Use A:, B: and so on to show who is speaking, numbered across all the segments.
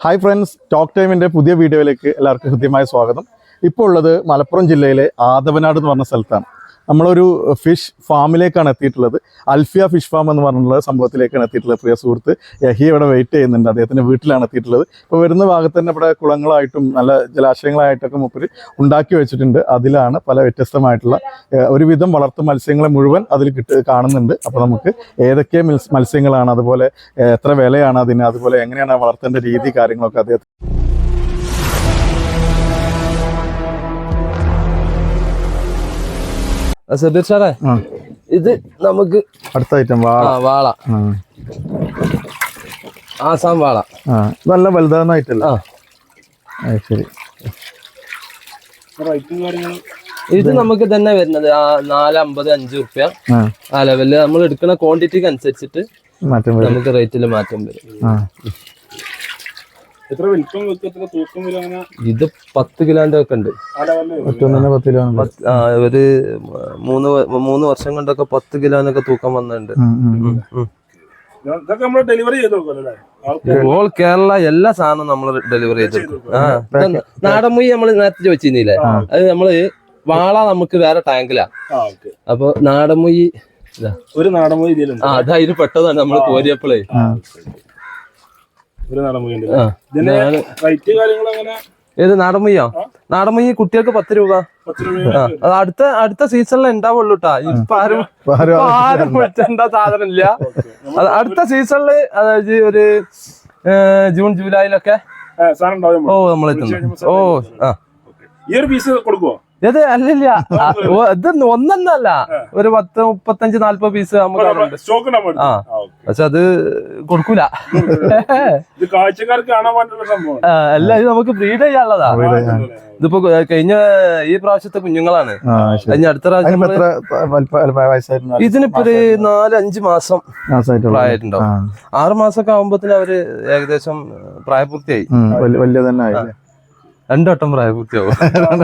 A: Hi friends, talk ടൈമിൻ്റെ പുതിയ വീഡിയോയിലേക്ക് എല്ലാവർക്കും ഹൃദ്യമായ സ്വാഗതം. ഇപ്പോൾ ഉള്ളത് മലപ്പുറം ജില്ലയിലെ ആദവനാട് എന്ന് പറഞ്ഞ സ്ഥലത്താണ്. നമ്മളൊരു ഫിഷ് ഫാമിലേക്കാണ് എത്തിയിട്ടുള്ളത്. അൽഫിയ ഫിഷ് ഫാം എന്ന് പറഞ്ഞിട്ടുള്ള സംഭവത്തിലേക്കാണ് എത്തിയിട്ടുള്ളത്. പ്രിയ സുഹൃത്ത് യഹി ഇവിടെ വെയിറ്റ് ചെയ്യുന്നുണ്ട്. അദ്ദേഹത്തിൻ്റെ വീട്ടിലാണ് എത്തിയിട്ടുള്ളത്. ഇപ്പോൾ വരുന്ന ഭാഗത്ത് തന്നെ ഇവിടെ കുളങ്ങളായിട്ടും നല്ല ജലാശയങ്ങളായിട്ടൊക്കെ മൂപ്പര് ഉണ്ടാക്കി വെച്ചിട്ടുണ്ട്. അതിലാണ് പല വ്യത്യസ്തമായിട്ടുള്ള ഒരുവിധം വളർത്തു മത്സ്യങ്ങളെ മുഴുവൻ അതിൽ കാണുന്നുണ്ട്. അപ്പോൾ നമുക്ക് ഏതൊക്കെ മത്സ്യങ്ങളാണ്, അതുപോലെ എത്ര വിലയാണ് അതിന്, അതുപോലെ എങ്ങനെയാണ് വളർത്തേണ്ട രീതി, കാര്യങ്ങളൊക്കെ അദ്ദേഹം
B: സബീർ സാറേ, ഇത് നമുക്ക്
A: അടുത്ത ഐറ്റം
B: വാള, ആസാം വാള.
A: നല്ല വലുതാന്നായിട്ടല്ല. ശരി.
B: ഇത് നമുക്ക് തന്നെ വരുന്നത് 450, 5 റുപ്യ ആ ലെവലില്. നമ്മൾ എടുക്കുന്ന ക്വാണ്ടിറ്റിക്ക് അനുസരിച്ചിട്ട് നമുക്ക് റേറ്റിൽ മാറ്റം വരും. ഇത് 10 കിലോന്റെ ഒക്കെ ഉണ്ട്. ഒരു 3 വർഷം കൊണ്ടൊക്കെ 10 കിലോനൊക്കെ തൂക്കം വന്നിട്ടുണ്ട്. ഓൾ കേരള എല്ലാ സാധനവും നമ്മൾ ഡെലിവറി ചെയ്തെടുക്കും. നാടൻ മുയി നമ്മൾ നേരത്തെ ചോദിച്ചിരുന്നില്ലേ, അത് നമ്മള് വാള നമുക്ക് വേറെ ടാങ്കിലാ. അപ്പൊ നാടൻ മുയി
C: ഒരു നാടൻ മുയി
B: അതിൽ പെട്ടതാണ് നമ്മള് കോരിയപ്പോഴേ. ഏത് നാടൻ മുയ്യോ? നാടൻ മുയ്യ് കുട്ടികൾക്ക് 10 രൂപ. അടുത്ത സീസണിൽ ഉണ്ടാവുള്ളൂ കേട്ടാ. ഇപ്പൊ ആരും വെച്ചെന്താ സാധനം ഇല്ല. അടുത്ത സീസണില്, അതായത് ഒരു ജൂൺ ജൂലൈയിലൊക്കെ നമ്മളെത്തുന്നു.
C: ഈ ഒരു പീസ് കൊടുക്കുവോ?
B: ഇത് അല്ലില്ല, ഇത് ഒന്നല്ല, ഒരു 10, 35, 40 പീസ് നമുക്ക് പക്ഷെ അത് കൊടുക്കൂല. അല്ല, ഇത് നമുക്ക് ബ്രീഡ് ചെയ്യാനുള്ളതാ. ഇതിപ്പോ കഴിഞ്ഞ ഈ പ്രാവശ്യത്തെ കുഞ്ഞുങ്ങളാണ്. കഴിഞ്ഞ അടുത്ത പ്രാവശ്യം ഇതിനിപ്പോ ഒരു 4-5 മാസം പ്രായമായിട്ടുണ്ടാവും. 6 മാസമൊക്കെ ആകുമ്പോഴത്തേന് അവര് ഏകദേശം പ്രായപൂർത്തിയായി.
A: വലിയ തന്നെ
B: 2 വട്ടം പ്രായപൂർത്തിയാവും.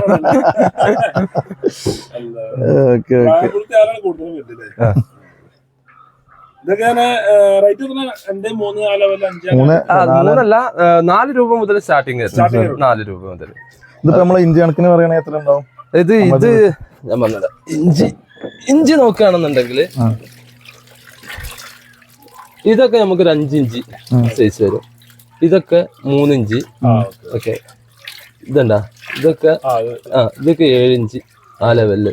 B: മൂന്നല്ല, 4 രൂപ മുതൽ സ്റ്റാർട്ടിങ്. 4 രൂപ മുതൽ.
A: ഇതിപ്പോ നമ്മളെ ഇഞ്ചി കണക്കിന് പറയുകയാണെങ്കിൽ എത്ര ഉണ്ടാവും?
B: ഇത് ഞാൻ പറഞ്ഞത് ഇഞ്ചി നോക്കുകയാണെന്നുണ്ടെങ്കിൽ ഇതൊക്കെ നമുക്കൊരു 5 ഇഞ്ച് സൈസ് വരും. ഇതൊക്കെ 3 ഇഞ്ച്. ഓക്കെ, ഇതണ്ടാ, ഇതൊക്കെ 7 ഇഞ്ച് ആ ലെവലില്.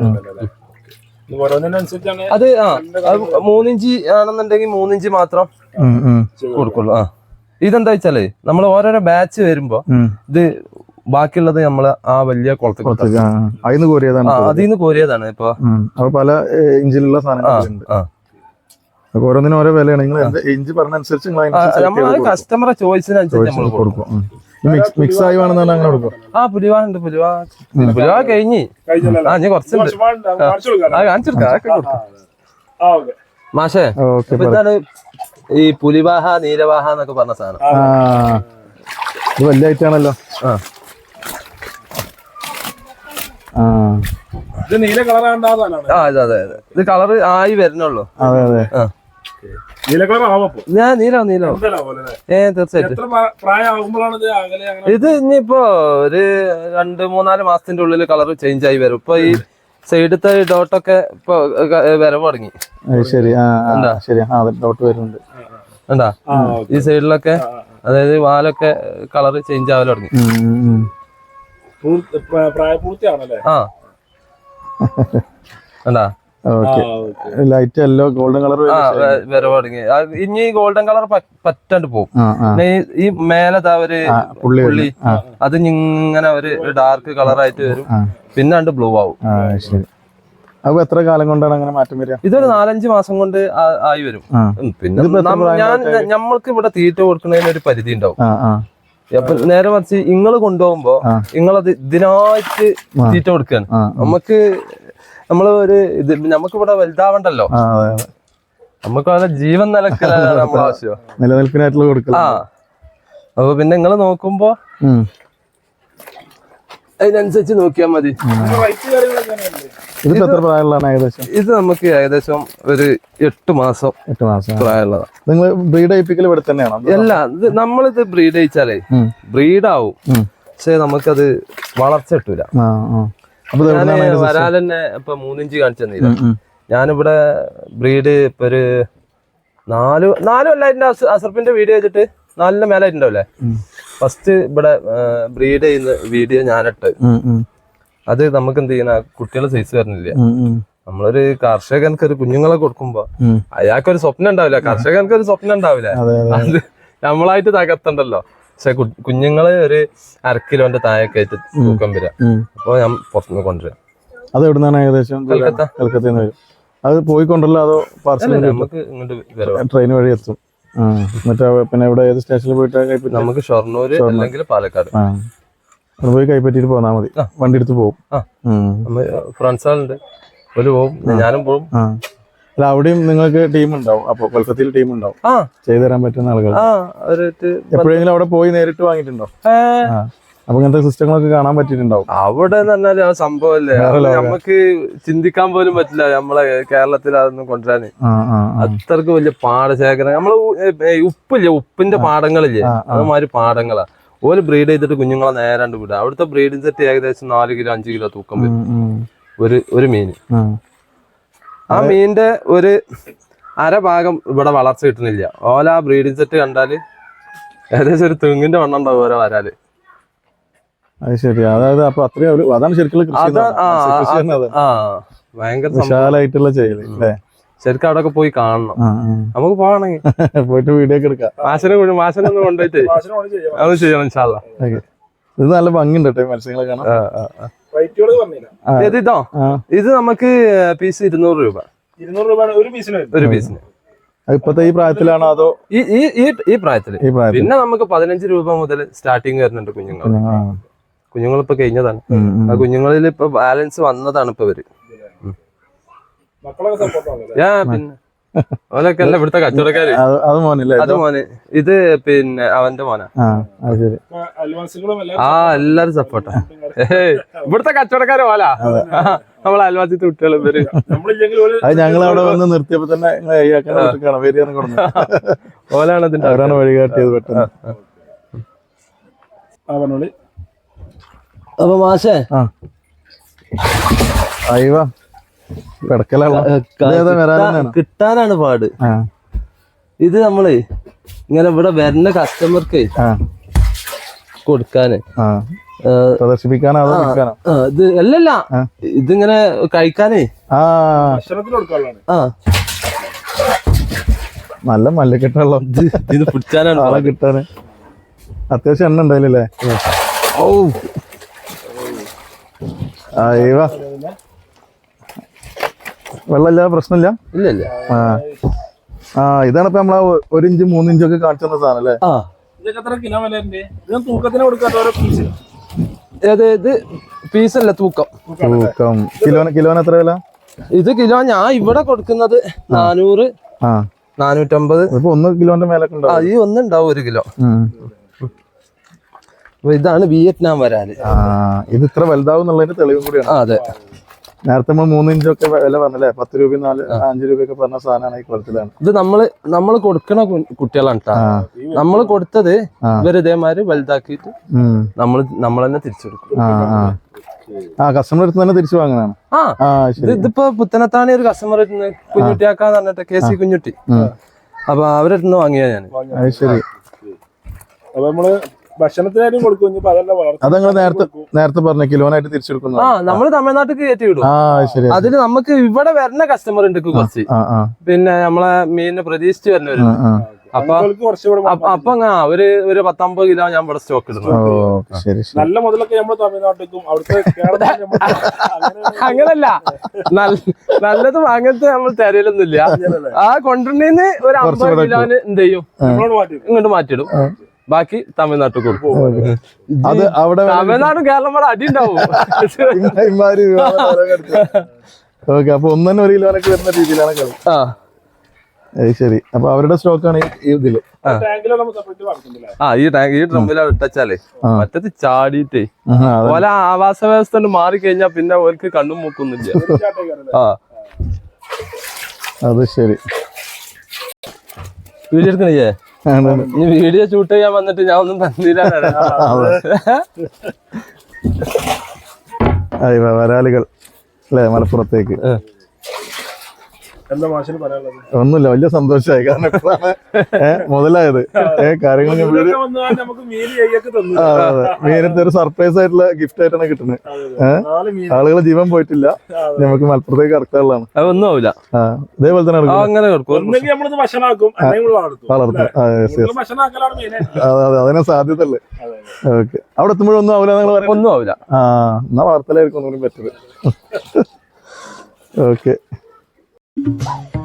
B: അത് 3 ഇഞ്ച് ആണെന്നുണ്ടെങ്കിൽ 3 ഇഞ്ച് മാത്രം കൊടുക്കുള്ളൂ. ഇതെന്താ വെച്ചാലേ, നമ്മൾ ഓരോരോ ബാച്ച് വരുമ്പോ ഇത് ബാക്കിയുള്ളത് നമ്മള് ആ വലിയ കുളത്തിൽ അതിന്ന് കോരിയതാണ്. ഇപ്പൊ
A: പല ഇഞ്ചിലുള്ള സാധനങ്ങളുണ്ട്. ഓരോന്നിനും ഓരോ വിലയാണ്. നിങ്ങൾ ഇഞ്ചി പറഞ്ഞനുസരിച്ച്
B: നമ്മള് കസ്റ്റമറെ ചോയ്സിനനുസരിച്ച് നമ്മൾ കൊടുക്കും.
A: മിക്സ് ആയി വേണമെന്നാണ് അങ്ങനെ കൊടുക്കും.
B: പുലിവാണ്ട് പുലിവാ കഴിഞ്ഞ് കുറച്ചുണ്ട്. മാഷേ, ഇതാണ് ഈ പുലിവാഹ, നീലവാഹ എന്നൊക്കെ പറഞ്ഞ സാധനം.
A: ഇത് വലിയ ഐറ്റാണല്ലോ.
C: നീല കളർ.
B: അതെ, ഇത് കളർ ആയി വരുന്നുള്ളൂ.
A: അതെ അതെ.
B: ഞാൻ നീലോ തീർച്ചയായിട്ടും. ഇത് ഇനിയിപ്പോ ഒരു 2-3-4 മാസത്തിന്റെ ഉള്ളിൽ കളർ ചേഞ്ച് ആയി വരും. ഇപ്പൊ ഈ സൈഡത്തെ ഡോട്ടൊക്കെ ഇപ്പൊ വരവ് തുടങ്ങി.
A: ശരി, ഡോട്ട് വരുന്നുണ്ട്.
B: എന്താ ഈ സൈഡിലൊക്കെ, അതായത് വാലൊക്കെ കളർ ചേഞ്ച് ആവല് തുടങ്ങി. എന്താ
A: ലൈറ്റ് യെല്ലോ ഗോൾഡൻ കളർ
B: വരവ് തുടങ്ങി. ഇനി ഗോൾഡൻ കളർ പറ്റാണ്ട് പോകും. ഈ മേലതാ ഒരു പുള്ളി, അത് ഇങ്ങനെ ഒരു ഡാർക്ക് കളറായിട്ട് വരും. പിന്നെ ബ്ലൂ ആവും.
A: ശരി. അപ്പൊ എത്ര കാലം കൊണ്ടാണ് അങ്ങനെ മാറ്റം വരിക?
B: ഇതൊരു 4-5 മാസം കൊണ്ട് ആയി വരും. പിന്നെ നമ്മൾക്ക് ഇവിടെ തീറ്റ കൊടുക്കുന്നതിന് ഒരു പരിധി ഉണ്ടാവും. അപ്പൊ നേരെ മറിച്ച് ഇങ്ങള് കൊണ്ടുപോകുമ്പോ നിങ്ങളത് ഇതിനായിട്ട് തീറ്റ കൊടുക്കാണ്. നമ്മള് നമുക്ക് ഇവിടെ വലുതാവണ്ടല്ലോ. നമുക്ക് വളരെ ജീവൻ നിലക്കലാണ് നമ്മളെ ആവശ്യം,
A: നിലനിൽപ്പിനായിട്ടുള്ള കൊടുക്കുക.
B: അപ്പൊ പിന്നെ നിങ്ങള് നോക്കുമ്പോ അതിനനുസരിച്ച് നോക്കിയാൽ മതി.
A: ഇതിപ്പോ എത്ര പ്രായമുള്ളതാണ് ഏകദേശം?
B: ഇത് നമുക്ക് ഏകദേശം ഒരു 8 മാസം
A: 8 മാസം
B: പ്രായമുള്ളതാണ്.
A: നിങ്ങൾ ബ്രീഡ് ചെയ്യിപ്പിക്കൽ ഇവിടെ തന്നെയാണോ?
B: അല്ല, ഇത് നമ്മളിത് ബ്രീഡ് ചെയ്യിച്ചാലേ ബ്രീഡാവും, പക്ഷെ നമുക്കത് വളർച്ച കിട്ടൂല. ഞാൻ വരാലെന്നെ ഇപ്പൊ 3 ഇഞ്ച് കാണിച്ചു തന്നില്ല. ഞാനിവിടെ ബ്രീഡ് ഇപ്പൊ ഒരു 4 കൊല്ലായിട്ടുണ്ട്. അസർപ്പിന്റെ വീഡിയോ വെച്ചിട്ട് 4 മേലായിട്ടുണ്ടാവില്ലേ? ഫസ്റ്റ് ഇവിടെ ബ്രീഡ് ചെയ്യുന്ന വീഡിയോ ഞാനിട്ട്. അത് നമുക്ക് എന്ത് ചെയ്യണ, കുട്ടികളെ സൈസ് വരുന്നില്ല. നമ്മളൊരു കർഷകനക്ക് ഒരു കുഞ്ഞുങ്ങളെ കൊടുക്കുമ്പോ അയാൾക്കൊരു സ്വപ്നം ഉണ്ടാവില്ല, കർഷകനക്ക് ഒരു സ്വപ്നം ഉണ്ടാവില്ല. അത് നമ്മളായിട്ട് തകർത്തണ്ടല്ലോ. പക്ഷെ കുഞ്ഞുങ്ങള് ഒരു 1/2 കിലോന്റെ താഴൊക്കെ ആയിട്ട് തൂക്കം വരിക. അപ്പൊ ഞാൻ പുറത്തുനിന്ന് കൊണ്ടുവരാം.
A: അത് എവിടുന്നാണ് ഏകദേശം? കൽക്കത്തയിൽ നിന്ന് വരും. അത് പോയിക്കൊണ്ടല്ലോ അതോ പാർസൽ?
B: നമുക്ക് ഇങ്ങോട്ട് വരാം,
A: ട്രെയിൻ വഴി എത്തും. മറ്റേ പിന്നെ ഇവിടെ ഏത് സ്റ്റേഷനിൽ പോയിട്ട് കൈപ്പറ്റി?
B: നമുക്ക് ഷൊർണൂര് അല്ലെങ്കിൽ പാലക്കാട്
A: അവിടെ പോയി കൈപ്പറ്റിട്ട് പോന്നാ മതി. വണ്ടി എടുത്ത് പോകും.
B: ഫ്രണ്ട്സ് ആളുണ്ട്, ഒരു പോവും, ഞാനും പോവും.
A: അല്ല, അവിടെയും നിങ്ങൾക്ക് ടീം ഉണ്ടാവും. അപ്പൊ കൊൽക്കത്തയിൽ ടീം ഉണ്ടാവും ചെയ്തു തരാൻ പറ്റുന്ന ആളുകൾ. എപ്പോഴെങ്കിലും അവിടെ പോയി നേരിട്ട് വാങ്ങിയിട്ടുണ്ടോ? അപ്പൊ ഇങ്ങനത്തെ സിസ്റ്റങ്ങളൊക്കെ കാണാൻ പറ്റിയിട്ടുണ്ടാവും.
B: അവിടെ എന്ന് പറഞ്ഞാല് ആ സംഭവല്ലേ, നമുക്ക് ചിന്തിക്കാൻ പോലും പറ്റില്ല നമ്മളെ കേരളത്തിൽ അതൊന്നും കൊണ്ടുവരാന്. അത്രക്ക് വലിയ പാടശേഖരം. നമ്മള് ഉപ്പില്ലേ, ഉപ്പിന്റെ പാടങ്ങളില്ലേ, അതുമാതിരി പാടങ്ങളാ. ഓല് ബ്രീഡ് ചെയ്തിട്ട് കുഞ്ഞുങ്ങളെ നേരാണ്ട് വിടുക. അവിടുത്തെ ബ്രീഡിംഗ് സെറ്റ് ഏകദേശം 4 കിലോ 5 കിലോ തൂക്കം വരും ഒരു മീന്. ആ മീനിന്റെ ഒരു അരഭാഗം ഇവിടെ വളർച്ച കിട്ടുന്നില്ല. ഓല ആ ബ്രീഡിംഗ് സെറ്റ് കണ്ടാല് ഏകദേശം ഒരു തെങ്ങിന്റെ വണ്ണം ഉണ്ടാവും ഓരോ വരാല്.
A: അത് ശരി. അതായത് അപ്പൊ അത്രയും അതാണ് ശരിക്കും
B: ഭയങ്കര
A: വിശാലായിട്ടുള്ള ചെയ്യല് അല്ലേ?
B: ശരിക്കും അവിടെ ഒക്കെ പോയി കാണണം. നമുക്ക് പോവാണെങ്കിൽ
A: പോയിട്ട് വീഡിയോ ഒക്കെ എടുക്കാം.
B: മാസനൊന്നും കൊണ്ടുപോയിട്ട് അത് ചെയ്യണം ഇൻഷാല്ലാ.
A: ഇത് നല്ല ഭംഗിയുണ്ട് കേട്ടോ മത്സ്യങ്ങളെ കാണാൻ.
B: ഇതോ, ഇത് നമുക്ക് പീസ് 200 രൂപ.
C: 200 രൂപ ഒരു പീസിന്.
A: ഇപ്പത്തെ ഈ പ്രായത്തിലാണോ അതോ
B: ഈ പ്രായത്തില്? പിന്നെ നമുക്ക് 15 രൂപ മുതൽ സ്റ്റാർട്ടിങ് വരുന്നുണ്ട് കുഞ്ഞുങ്ങൾ ഇപ്പൊ കഴിഞ്ഞതാണ്. ആ കുഞ്ഞുങ്ങളിൽ ഇപ്പൊ ബാലൻസ് വന്നതാണ് ഇപ്പൊ ഇവര്. പിന്നെ ഓലൊക്കെ അല്ല ഇവിടുത്തെ കച്ചവടക്കാര്. അത് മോന്, ഇത് പിന്നെ അവന്റെ മോനാ. എല്ലാരും സപ്പോർട്ടാ. ഇവിടുത്തെ കച്ചവടക്കാര് ഓലാ, നമ്മളെ അയൽവാസിത്തെ കുട്ടികൾ ഇവര്.
A: ഞങ്ങൾ അവിടെ വന്ന് നിർത്തിയപ്പോ തന്നെ
B: ഓലാണ് അതിന്റെ
A: അവരാണ് വഴികാട്ടിയത് പെട്ടെന്ന്.
B: അപ്പൊ മാഷേ
A: അയ്യോ
B: കിട്ടാനാണ് പാട്. ഇത് നമ്മള് ഇങ്ങനെ ഇവിടെ വരുന്ന കസ്റ്റമർക്ക് കൊടുക്കാന്
A: പ്രദർശിപ്പിക്കാനോ?
B: ഇത് അല്ലല്ല, ഇതിങ്ങനെ കഴിക്കാനേ.
A: നല്ല മല്ലക്കെട്ടുള്ള
B: ഇത് പിടിച്ചാനാണ്
A: ആളെ കിട്ടാന്. അത്യാവശ്യം എണ്ണ ഉണ്ടായില്ലേ? ഓ അയ്യോ, വെള്ളമില്ല, പ്രശ്നമില്ല.
B: ഇല്ല.
A: ഇതാണ് ഇപ്പൊ നമ്മളെ 1 ഇഞ്ച് 3 ഇഞ്ചൊക്കെ കാണിച്ചു തന്ന സാധനം അല്ലേ?
B: ഇത് പീസല്ല, തൂക്കം.
A: കിലോന് എത്ര വില?
B: ഇത് കിലോ ഞാൻ ഇവിടെ കൊടുക്കുന്നത് 400 450.
A: ഇപ്പൊ 1 കിലോന്റെ മേലൊക്കെ ഉണ്ടാവും.
B: ഈ ഒന്നുണ്ടാവും 1 കിലോ. ഇതാണ് വിയറ്റ്നാം വരാല്.
A: ഇത് ഇത്ര വലുതാവും എന്നുള്ളതിന്റെ തെളിവും കൂടിയാണ്.
B: അതെ,
A: നേരത്തെ നമ്മൾ 3 ഇഞ്ചൊക്കെ വില പറഞ്ഞല്ലേ, 10 രൂപ 5 രൂപയൊക്കെ പറഞ്ഞ സാധനമാണ് ഈ കുളത്തിലാണ്.
B: ഇത് നമ്മള് കൊടുക്കണ കുട്ടികളാണ് കേട്ടോ. നമ്മള് കൊടുത്തത് ഇവര് ഇതേമാതിരി വലുതാക്കിയിട്ട് നമ്മൾ തന്നെ തിരിച്ചു കൊടുക്കും.
A: കസ്റ്റമർ അടുത്ത് തന്നെ തിരിച്ചു വാങ്ങുന്നതാണ്.
B: ഇതിപ്പോ പുത്തനത്താണി ഒരു കസ്റ്റമർ കുഞ്ഞുട്ടിയാക്കാന്ന് പറഞ്ഞിട്ട് KC കുഞ്ഞുട്ടി. അപ്പൊ അവരടുത്ത് വാങ്ങിയാ ഞാൻ.
A: ശരി.
C: അപ്പൊ നമ്മള് ഭക്ഷണത്തിനായിട്ടും കൊടുക്കും.
A: അതങ്ങൾ നേരത്തെ പറഞ്ഞ കിലോനായിട്ട് തിരിച്ചെടുക്കുന്നു.
B: നമ്മള് തമിഴ്നാട്ടിൽ കയറ്റി വിടും. അതിന് നമുക്ക് ഇവിടെ വരുന്ന കസ്റ്റമർ ഉണ്ട് കുറച്ച്. പിന്നെ നമ്മളെ മീനിനെ പ്രതീക്ഷിച്ച് വരുന്നവരുണ്ട്. അപ്പൊ ഒരു 10-50 കിലോ ഞാൻ ഇവിടെ സ്റ്റോക്ക് ഇടുന്നു.
C: നല്ല മുതലൊക്കെ നമ്മൾ തമിഴ്നാട്ടിലും അവിടുത്തെ
B: അങ്ങനല്ല, നല്ലത് അങ്ങനത്തെ നമ്മൾ തരലൊന്നുമില്ല. ആ കൊണ്ടുവരുന്നതിന് ഒരു 50 കിലോന് എന്ത് ചെയ്യും, ഇങ്ങോട്ട് മാറ്റിയിടും. ബാക്കി തമിഴ്നാട്ടിൽ കൊടുക്കും.
A: അത് അവിടെ
B: തമിഴ്നാടും കേരളം കൂടെ അടി ഉണ്ടാവും.
A: ഓക്കെ, അപ്പൊ 1 കിലോനൊക്കെ വരുന്ന രീതിയിലാണ് കളി. അത് ശരി. അപ്പൊ അവരുടെ സ്റ്റോക്കാണ് ഈ ഇതില്.
C: ടാങ്കിലാണ് നമ്മൾ സെപ്പറേറ്റ് വളർത്തുന്നില്ല.
B: ഈ ടാങ്ക് ഈ ഡ്രമ്മിലാണ് ഇട്ടാലേ മറ്റത് ചാടിയിട്ടേ ഓല ആവാസ വ്യവസ്ഥ മാറി കഴിഞ്ഞാൽ പിന്നെ ഓർക്ക് കണ്ണും മൂക്കൊന്നുമില്ല. ആ
A: അത് ശരി.
B: വീഡിയോ എടുക്കണില്ലേ? ഇനി വീഡിയോ ഷൂട്ട് ചെയ്യാൻ വന്നിട്ട് ഞാൻ ഒന്നും തന്നില്ല.
A: വരാലുകൾ അല്ലേ മലപ്പുറത്തേക്ക്.
C: എന്താ മാഷിന് പറയാനുള്ളത്?
A: ഒന്നുമില്ല, വലിയ സന്തോഷമായി. കാരണം ഇപ്പോഴാണ് മുതലായത് കാര്യങ്ങൾ.
C: നമുക്ക് മീൻ കൈയൊക്കെ തന്നു.
A: മീനത്തെ ഒരു സർപ്രൈസ് ആയിട്ടുള്ള ഗിഫ്റ്റ് ആയിട്ടാണ് കിട്ടുന്നത്. ആളുകളെ ജീവൻ പോയിട്ടില്ല, നമുക്ക് മലപ്പുറത്തേക്ക് കടക്കാനുള്ളതാണ്.
B: ഒന്നും ആവില്ല.
A: ഇതേപോലെ തന്നെ
B: അങ്ങനെ
A: അതെ, അതിനെ സാധ്യത അല്ലേ. ഓക്കെ, അവിടെ എത്തുമ്പോഴൊന്നും ആവില്ല നിങ്ങൾ പറയാം.
B: ഒന്നും ആവില്ല.
A: എന്നാ വാർത്തയിലായിരിക്കും ഒന്നുകൂടി പറ്റത്. ഓക്കെ.